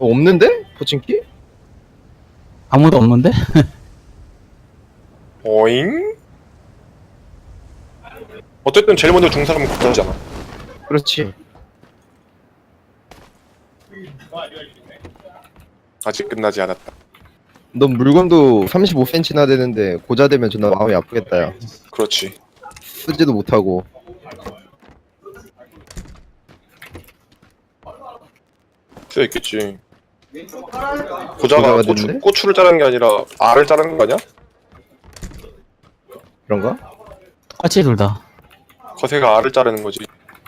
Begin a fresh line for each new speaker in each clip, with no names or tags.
없는데? 포칭키?
아무도 없는데?
어잉? 어쨌든 제일 먼저 중 사람은 국가잖아.
그렇지.
아직 끝나지 않았다.
넌 물건도 35cm나 되는데 고자 되면 존나 마음이 아프겠다 야.
그렇지.
쓰지도 못하고.
쓰여 있겠지.
고자가
고자가
됐는데?
고추를 자르는 게 아니라 알을 자르는 거 아니야?
그런가?
똑같이 둘 다.
거세가 알을 자르는 거지.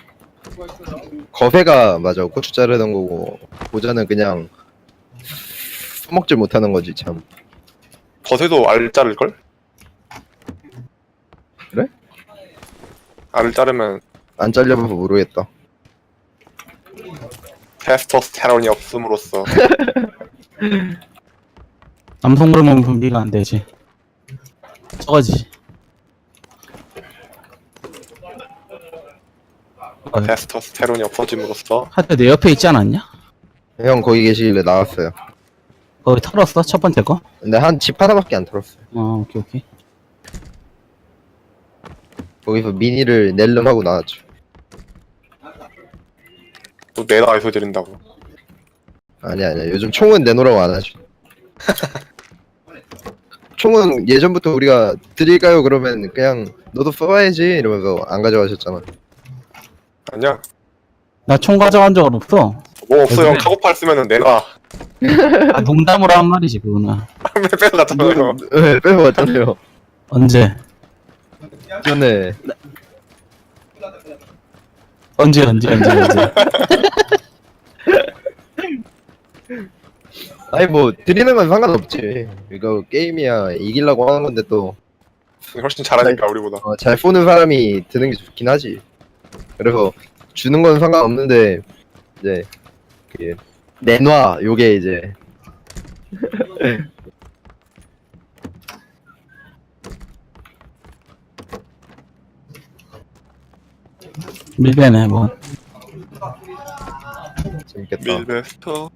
거세가 맞아 고추 자르는 거고 고자는 그냥 써먹질 못하는 거지 참.
거세도 알 자를걸?
그래?
알을 자르면
안 잘려봐서 모르겠다.
테스토스테론이 없음으로써
남성 호르몬 분비가 안 되지. 저거지.
테스토스테론이 없어짐으로써
하여튼 내 옆에 있지 않았냐?
형 거기 계시길래 나왔어요.
거기 털었어? 첫 번째 거?
근데 한 집 하나밖에 안 털었어요.
오케이, 오케이.
거기서 미니를 낼름 하고 나왔죠.
또 내다 이소 드린다고.
아니야 요즘 총은 내놓으라고 안 하죠. 총은 예전부터 우리가 드릴까요 그러면 그냥 너도 써봐야지 이러면서 안 가져가셨잖아.
아니야.
나 총 가져간 적은 없어.
뭐 없어. 형 카고팔 쓰면은 내놔.
아, 농담으로 한 말이지, 그거는.
빼서 갔잖아요.
네, 빼먹었잖아요.
언제?
전에
언제.
아니 뭐 드리는 건 상관없지. 이거 게임이야 이기려고 하는 건데 또
훨씬 잘하니까 우리보다.
잘 쏘는 사람이 드는 게 좋긴 하지. 그래서 주는 건 상관없는데 이제 그 내놔 요게 이제
밀배네, 뭐.
재밌겠다.
밀베스터.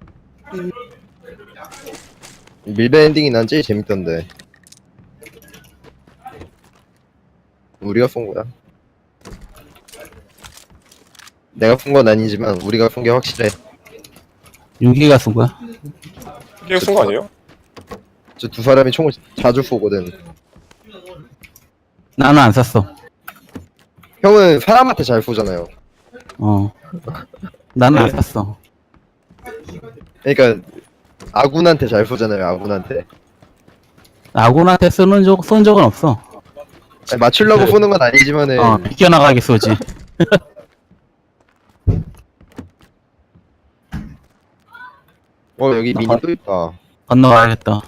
밀배 엔딩이 난 제일 재밌던데. 우리가 쏜 거야. 내가 쏜 건 아니지만 우리가 쏜 게 확실해.
윤기가 쏜 거야?
이게 쓴거 아니에요?
저 두 사람이 총을 자주 쏘거든.
나는 안 쐈어.
형은 사람한테 잘 쏘잖아요.
나는 안 쐈어.
그러니까 아군한테 잘 쏘잖아요. 아군한테.
아군한테 쏜 적은 없어.
아니, 맞추려고 쏘는 건 아니지만은
비껴나가게 쏘지.
여기 미니 또 있다.
건너가야겠다.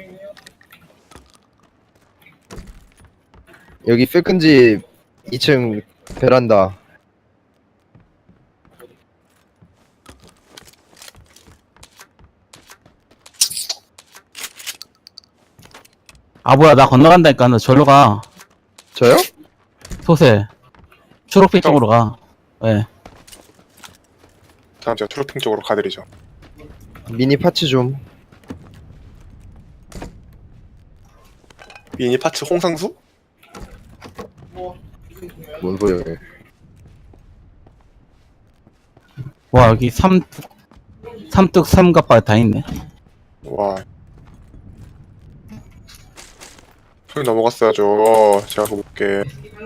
여기 세컨집 2층 베란다.
아, 뭐야, 나 건너간다니까. 너 절로 가.
저요?
소세. 초록빛 쪽으로 가. 왜?
다음 제가 트로핑 쪽으로 가드리죠.
미니 파츠 좀.
미니 파츠 홍상수?
뭔 소리야?
와, 여기 삼뚝 삼갑바 다 있네.
와. 형이 넘어갔어야죠. 제가 그거 볼게.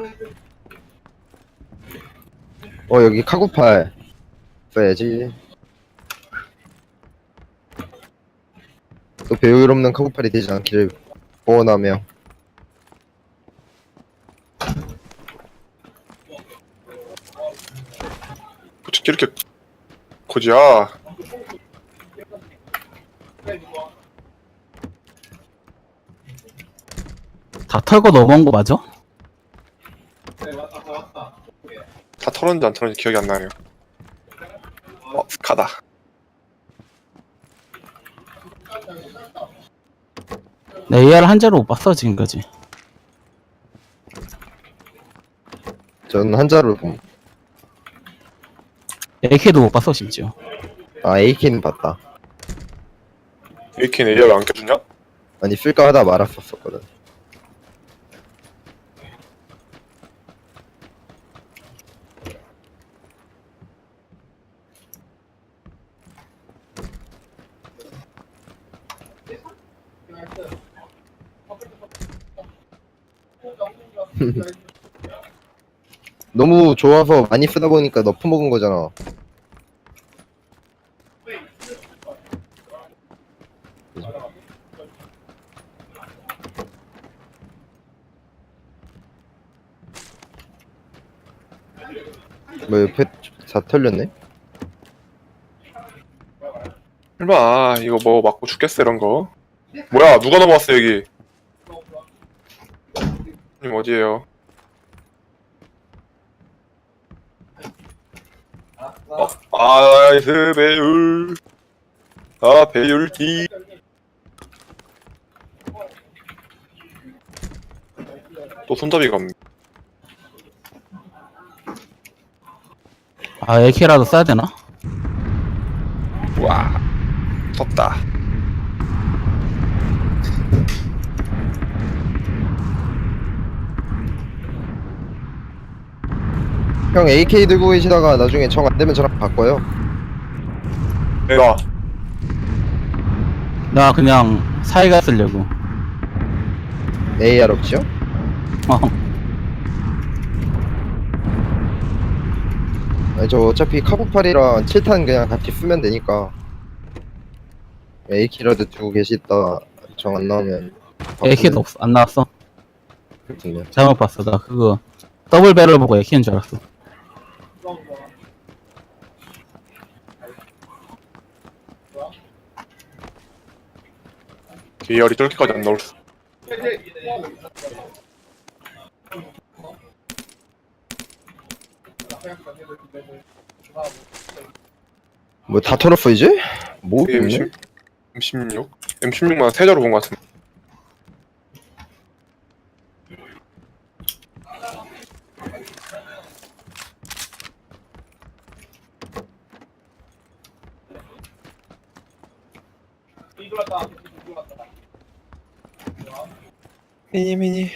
여기 카구팔 써야지. 또 배울 없는 카구팔이 되지 않기를 원하며.
어떻게 이렇게 고지야?
다 털고 넘어온 거 맞아?
다 털었는지 안 털었는지 기억이 안 나네요. 스카다.
내 AR 한 자로 못 봤어, 지금까지.
전 한자로
AK도 못 봤어, 심지어.
AK는 봤다.
AK는 AR 왜안 껴주냐?
아니 쓸까 하다 말았었거든. 너무 좋아서 많이 쓰다 보니까 너프 먹은 거잖아. 뭐 옆에 다 털렸네?
설마 이거 뭐 맞고 죽겠어 이런 거. 뭐야 누가 넘어왔어 여기. 님 어디에요? 아이스 배율. 아 배율기. 또 손잡이가 없네.
아, AK라도 써야 되나?
와 덥다.
형 AK 들고 계시다가 나중에 정 안 되면 저랑 바꿔요.
내가
나 그냥 사이가 쓰려고.
AR 없죠?
어.
아니 저 어차피 카고팔이랑 7탄 그냥 같이 쓰면 되니까 AK라도 두고 계시다 정 안 나오면
AK도 없어. 안 나왔어.
그렇군요.
잘못 봤어. 나 그거 더블 배럴 보고 AK인 줄 알았어.
계열이 저렇게까지 안 나올 수.
뭐 다 털었어 이제? 뭐 있네?
M16? M16만 세자로 본 것 같은데. 미니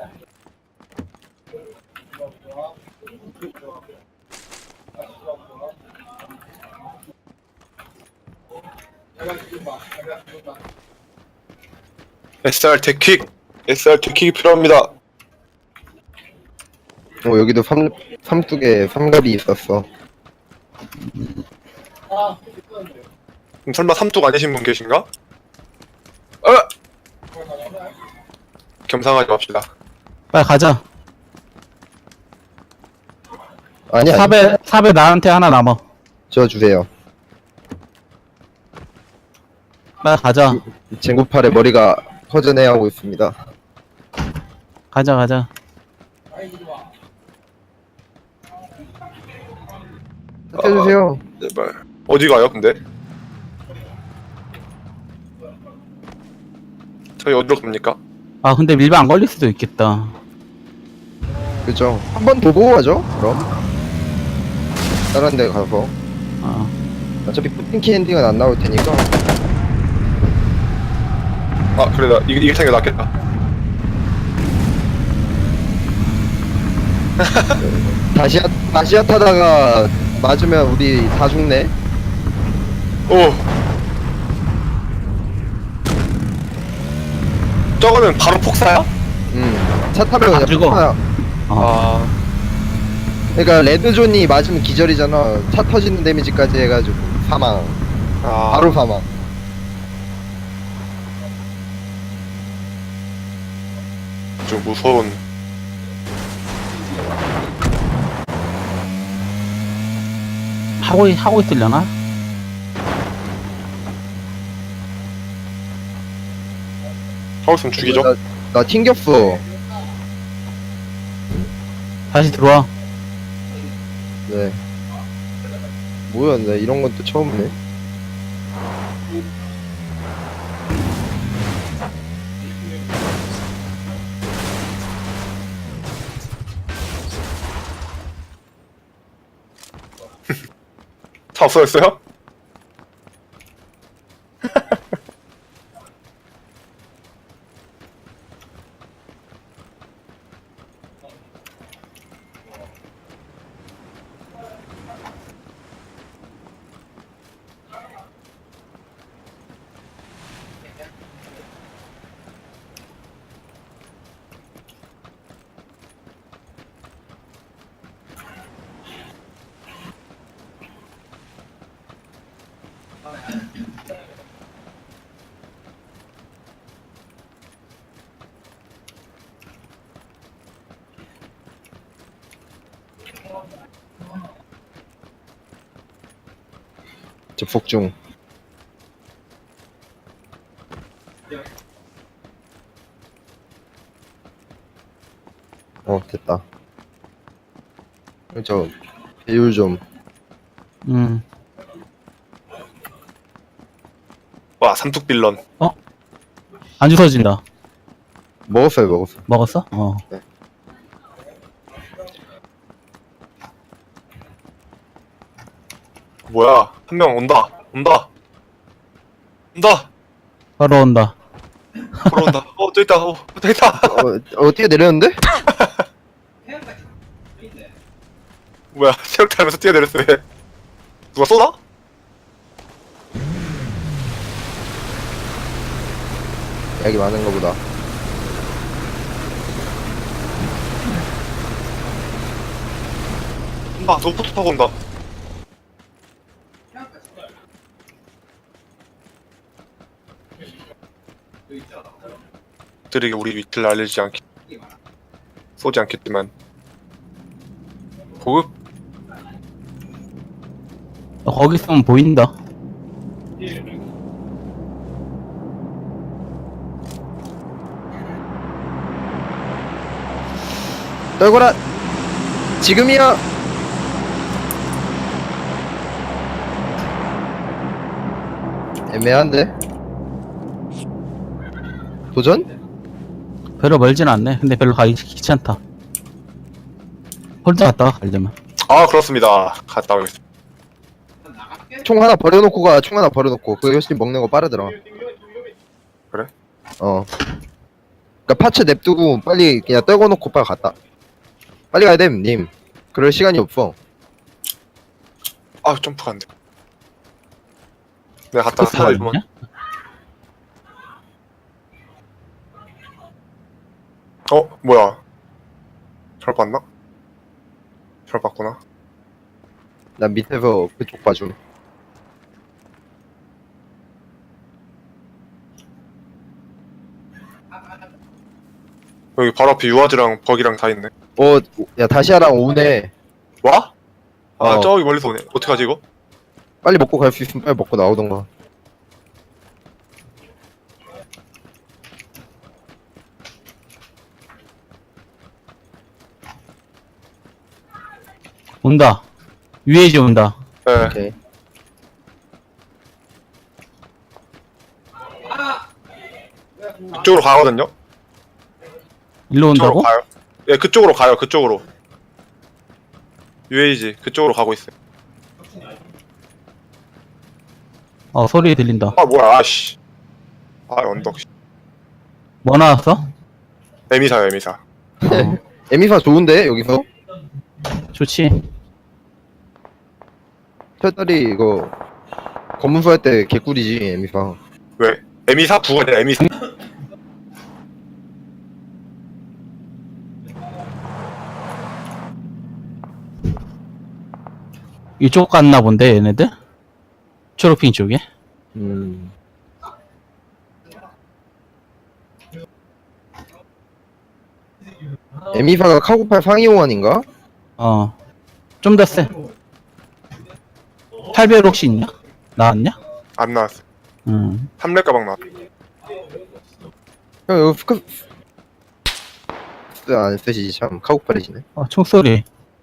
SR 데킥! SR 데킥이 필요합니다.
여기도 삼뚝에 삼갑이 있었어.
그럼 설마 삼뚝 아니신 분 계신가? 겸상하지 맙시다.
빨리 가자.
아니
삽에 나한테 하나 남어.
저 주세요.
빨리 가자.
쟁구팔에 머리가 허전해하고 있습니다.
가자.
해주세요.
제발. 어디 가요, 근데? 저희 어디로 갑니까?
아, 근데 밀배 안 걸릴 수도 있겠다.
그죠? 한 번 더 보고 가죠. 그럼 다른 데 가서
아,
어차피 푸틴키 엔딩은 안 나올 테니까.
아, 그래, 나 이게 타는 게 낫겠다.
다시야 타다가 맞으면 우리 다 죽네.
오! 저거는 바로 폭사야?
차 타면 그냥
죽어.
폭파야.
어.
아,
그러니까 레드존이 맞으면 기절이잖아. 차 터지는 데미지까지 해가지고 사망.
아.
바로 사망.
좀 무서운.
하고 있으려나?
하고 있으면 죽이죠?
나 튕겼어.
다시 들어와.
네. 뭐야, 나 이런 건 또 처음이네.
차 없어졌어요?
극복 중. 됐다. 저 배율 좀.
와 삼뚝 빌런.
안 주워진다.
먹었어요.
먹었어?
뭐야 한 명 온다.
바로 온다.
걸어온다. 또 있다. 또 있다.
뛰어내렸는데?
뭐야 체력 타면서 뛰어내렸어. 얘. 누가 쏘나?
약이 많은 거보다.
저 포토 타고 온다. 들에게 우리 위치를 알리지 않기 쏘지 않겠지만 보급?
거기 있으면 보인다.
떨거라. 지금이야. 애매한데? 도전?
별로 멀진 않네. 근데 별로 가기 귀찮다. 홀드 갔다가 가려면.
아 그렇습니다. 갔다 오겠습니다.
총 하나 버려놓고 가. 총 하나 버려놓고. 그 훨씬 먹는 거 빠르더라.
그래?
그니까 파츠 냅두고 빨리 그냥 떨궈놓고 빨리 갔다. 빨리 가야 됨, 님. 그럴 시간이 없어.
아 점프가 안 돼. 내가 갔다가
스쿠터가
살려주면
있냐?
뭐야 잘 봤나? 잘 봤구나.
난 밑에서 그쪽 봐줌.
여기 바로 앞에 유아지랑 버기랑 다 있네.
야, 다시아랑 오네.
와?
어.
저기 멀리서 오네. 어떡하지 이거?
빨리 먹고 갈 수 있으면 빨리 먹고 나오던가.
온다. UAG 온다.
네.
오케이.
그쪽으로 가거든요?
일로 온다고?
그쪽으로 가요. 예, 그쪽으로 가요. 그쪽으로. UAG 그쪽으로 가고 있어요.
소리 들린다.
뭐야 아씨. 언덕.
뭐 나왔어?
에미사요 에미사.
에미사 좋은데 여기서?
좋지.
철다리 이거 검문소 할 때 개꿀이지 에미사.
왜? 에미사? 부가 아니라 에미사.
이쪽 갔나 본데 얘네들? 초록핑 쪽에?
에미사가 카고팔 상위호환인가?
좀 더 세. 800 혹시 있냐? 나왔냐?
안 나왔어. 3렙 가방 나왔어.
형 이거 안 쓰시지 참 카고팔이시네.
총소리.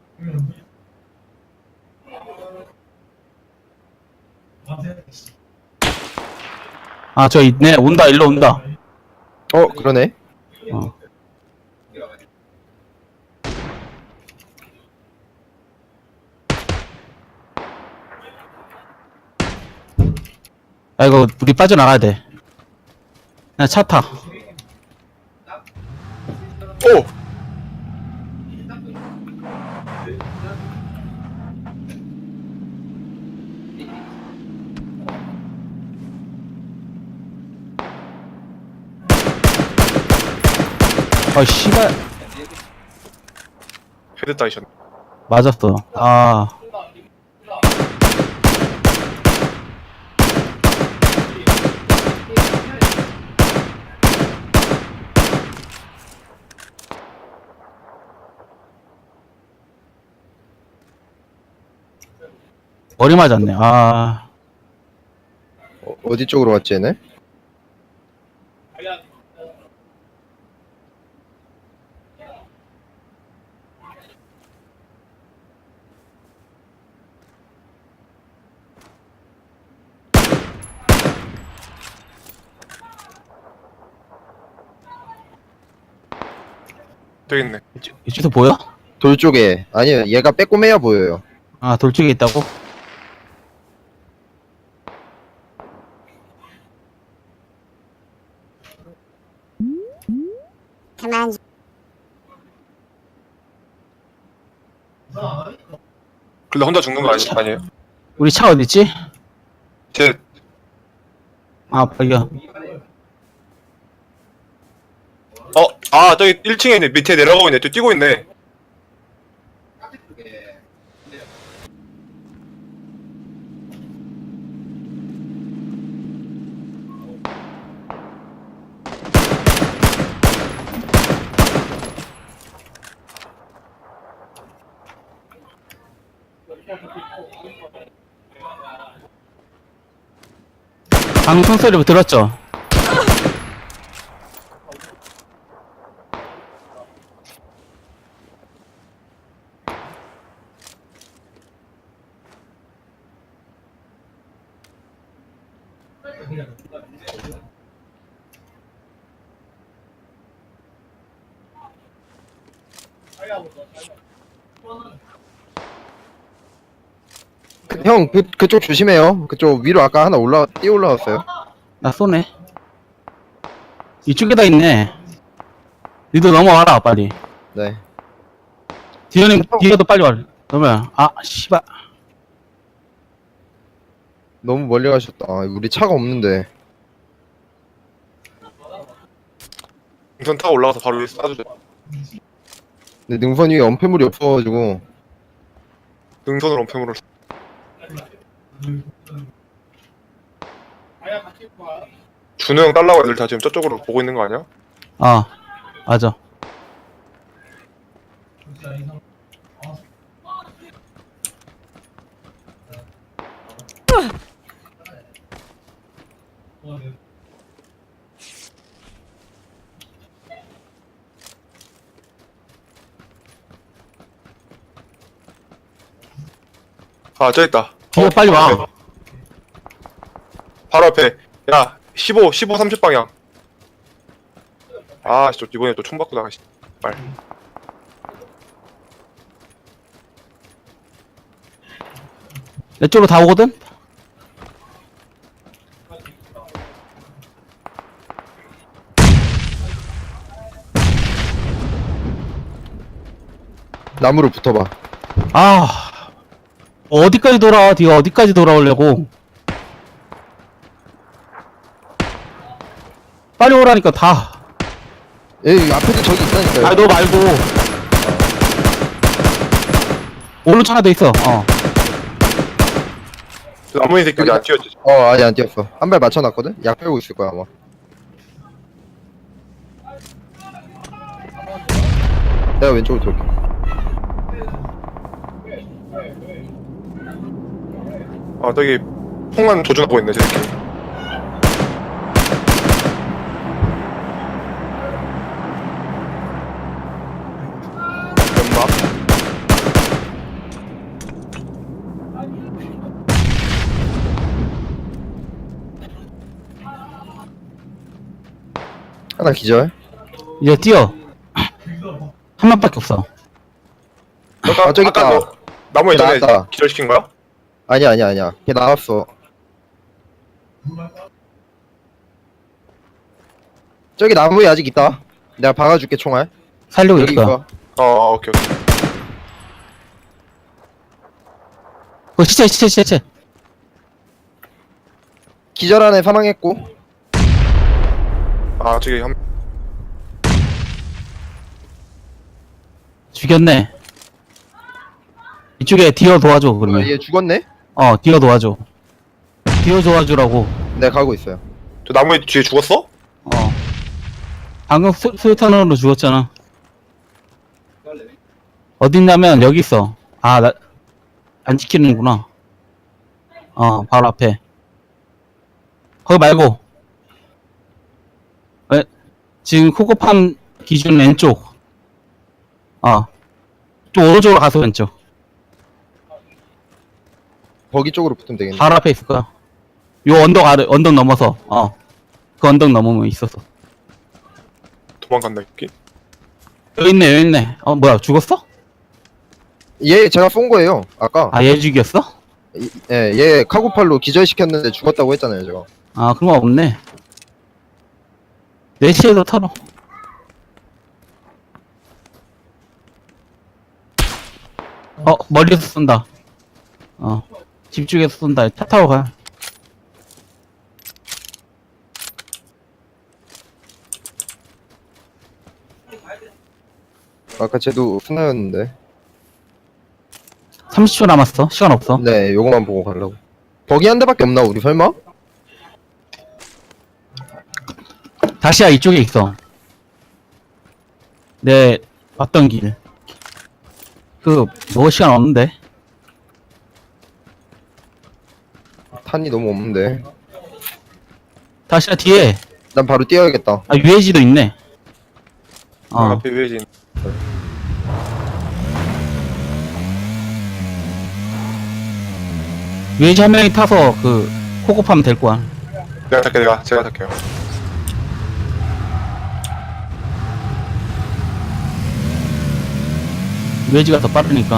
저 있네. 온다. 일로 온다.
그러네.
이거 우리 빠져나가야 돼. 그냥 차 타.
오!
씨발.
헤드 따이셨네.
맞았어. 머리 맞았네.
어디 쪽으로 갔지 얘네?
저기 있네.
이쪽도 보여?
돌 쪽에. 아니요, 얘가 빼꼼해야 보여요.
아, 돌 쪽에 있다고?
Command
근데 혼자 죽는 거 아니에요?
우리 차 어딨지?
제
아, 발견.
저기 1층에 있네. 밑에 내려가고 있네. 또 뛰고 있네.
방송 소리 들었죠?
형, 그쪽 조심해요. 그쪽 위로 아까 하나 뛰어 올라왔어요.
나 쏘네. 이쪽에다 있네. 니도 넘어와라, 빨리.
네.
뒤에도 빨리 와. 그러면, 아, 씨발.
너무 멀리 가셨다. 아, 우리 차가 없는데.
우선 타고 올라가서 바로 위에 쏴주죠.
근데 능선 위에 엄폐물이 없어가지고.
능선으로 엄폐물을. 준호 형 딸라고 애들 다 지금 저쪽으로 보고 있는 거 아니야?
아, 맞아.
저기 있다.
뒤에 빨리 와.
앞에. 바로 앞에. 야, 15, 30 방향. 저 이번에 또 총 받고 나가시. 빨리.
내 쪽으로 다 오거든?
나무로 붙어봐.
아, 어디까지 돌아와? 네가 어디까지 돌아오려고? 빨리 오라니까 다.
여기 앞에도 저기 있다니까요.
아, 너 말고. 오른쪽 하나 더 있어.
나머지 새끼들이 안 튀었지.
아니 안 뛰었어. 한 발 맞춰놨거든? 약 빼고 있을 거야 아마. 내가 왼쪽으로 돌게.
저기 폭만 조준하고 있네, 저 새끼. 연막.
하나 기절.
이제 뛰어. 한 명밖에 없어.
저기 있다.
너 나무에 전에
나왔다.
기절시킨 거야?
아니야. 걔 나왔어. 저기 나무에 아직 있다. 내가 박아줄게 총알.
살리고
여기
있어.
있어.
오케이.
시체.
기절 안에 사망했고.
저기 한,
죽였네. 이쪽에 디어 도와줘, 그러면.
얘 죽었네?
디어 도와줘. 디어 도와주라고.
내가 가고 있어요.
저 나무에 뒤에 죽었어?
방금 수류탄으로 죽었잖아. 어딨냐면, 여기 있어. 안 지키는구나. 바로 앞에. 거기 말고. 지금 코코팜 기준 왼쪽. 좀 오른쪽으로 가서 왼쪽.
거기 쪽으로 붙으면 되겠네.
바로 앞에 있을 거야. 요 언덕 넘어서. 그 언덕 넘으면 있었어.
도망간다 이끼.
여기 있네. 뭐야, 죽었어?
얘 제가 쏜 거예요. 아까.
얘 죽였어?
얘 카고팔로 기절시켰는데 죽었다고 했잖아요, 제가.
그런 거 없네. 내 시에서 털어. 멀리서 쏜다. 집 쪽에서 쏜다. 차 타고 가.
아까 쟤도 스나였는데.
30초 남았어. 시간 없어.
네, 요거만 보고 가려고. 버기 한 대밖에 없나, 우리 설마?
다시야 이쪽에 있어. 내 왔던 길. 뭐 시간 없는데.
탄이 너무 없는데.
다시야 뒤에.
난 바로 뛰어야겠다.
UAG도 있네.
앞에 위에진.
UAG 한 명이 타서 코코팜 될 거야.
내가 탈게 제가 탈게요.
UAG가 더 빠르니까.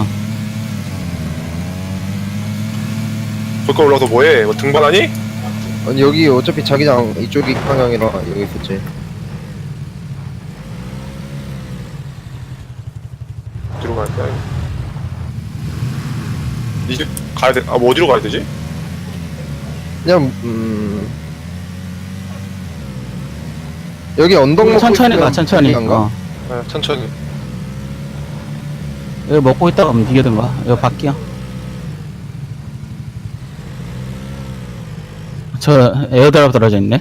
저거 올라서 뭐해? 뭐 등반하니?
아니, 여기 어차피 자기장 이쪽이 방향이라 여기 있었지.
어디로 가야 돼? 이제 가야 돼. 뭐 어디로 가야 되지?
그냥, 여기 언덕 먹고
천천히 가,
있으면
천천히.
가능한가?
네, 천천히.
여기 먹고 있다가 움직이든가. 여기 밖이야. 저 에어드랍 떨어져 있네.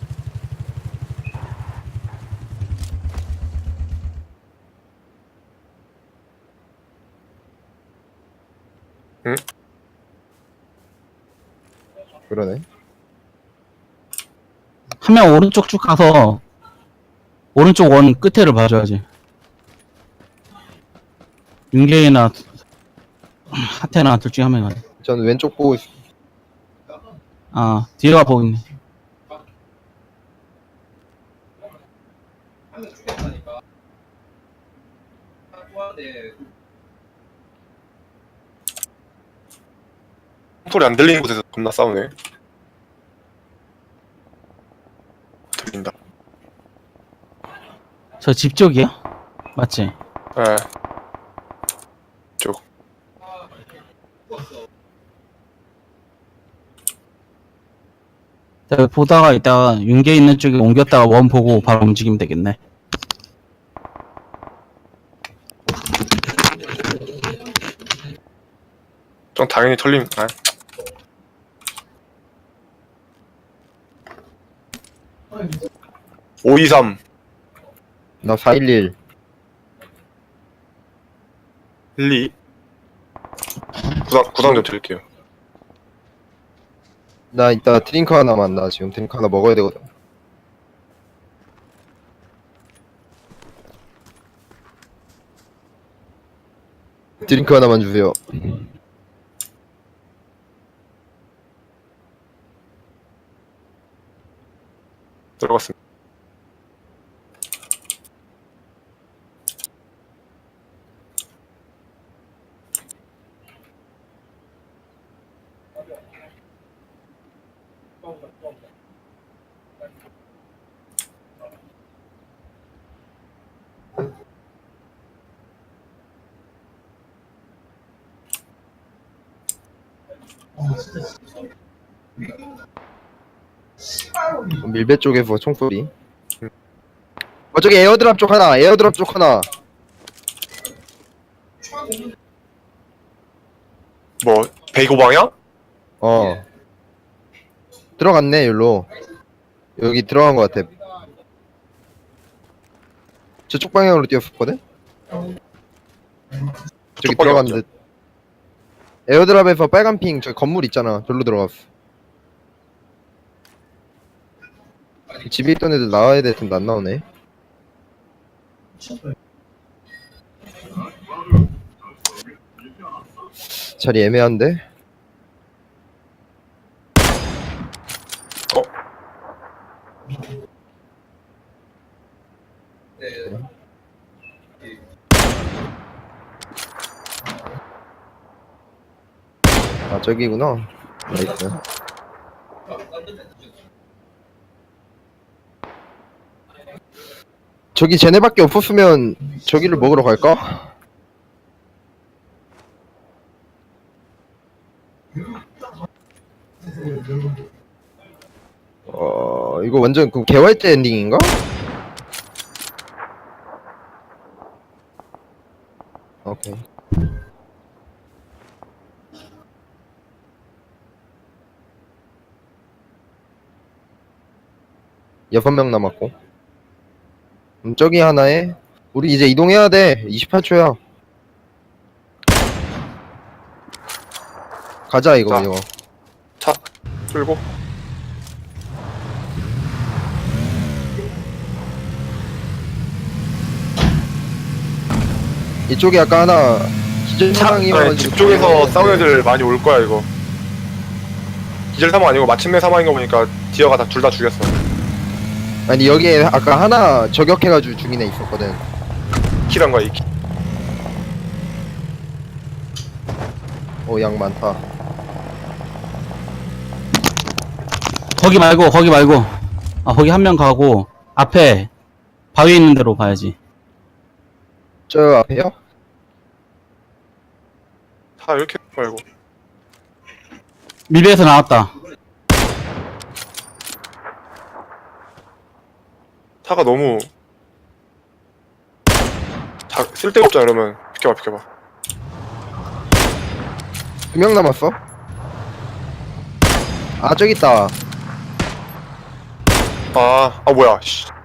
응?
그러네.
한 명 오른쪽 쭉 가서 오른쪽 원 끝에를 봐줘야지. 윤계이나 하태나 둘 중에 한 명이 가네.
저는 왼쪽 보고 있어.
뒤에가 보고 있네.
소리 안 들리는 곳에서 겁나 싸우네. 들린다.
저 집 쪽이야? 맞지?
예. 쪽.
자, 보다가 이따가 윤계 있는 쪽에 옮겼다가 원 보고 바로 움직이면 되겠네.
좀 당연히 털림. 523.
나 411.
12. 구상 좀 드릴게요.
나 이따 드링크 하나만, 나 지금 드링크 하나 먹어야 되거든. 드링크 하나만 주세요.
들어갔습니다.
밀배 쪽에서 총소리. 저기 에어드랍 쪽 하나, 에어드랍 쪽 하나.
뭐 베이고 방향?
들어갔네, 여기로. 여기 들어간 것 같아. 저쪽 방향으로 뛰었었거든? 저기 들어간 듯. 에어드랍에서 빨간 핑, 저기 건물 있잖아. 절로 들어갔어. 집에 있던 애들 나와야 될 텐데 안 나오네. 자리 애매한데?
어?
아 저기구나. 나이스. 저기 쟤네밖에 없었으면 저기를 먹으러 갈까? 이거 완전 그 개활제 엔딩인가? 오케이. 여섯 명 남았고. 저기 하나에 우리 이제 이동해야 돼. 28초야. 가자 이거
자.
이거.
차 끌고.
이쪽에 아까 하나 기절
차,
상황이
아니, 집 쪽에서 싸우는 애들 많이 올 거야 이거. 기절 사망 아니고 마침내 사망인 거 보니까 디어가 다 둘 다 죽였어.
아니 여기에 아까 하나 저격해가지고 죽인 애 있었거든.
킬한 거야 이 킬.
양 많다.
거기 말고 거기 한 명 가고 앞에 바위 있는 데로 가야지.
저 앞에요?
다 이렇게 말고.
미래에서 나왔다.
차가 너무 쓸데없잖아. 이러면 비켜봐.
2명 남았어? 아 저기 있다.
뭐야 씨.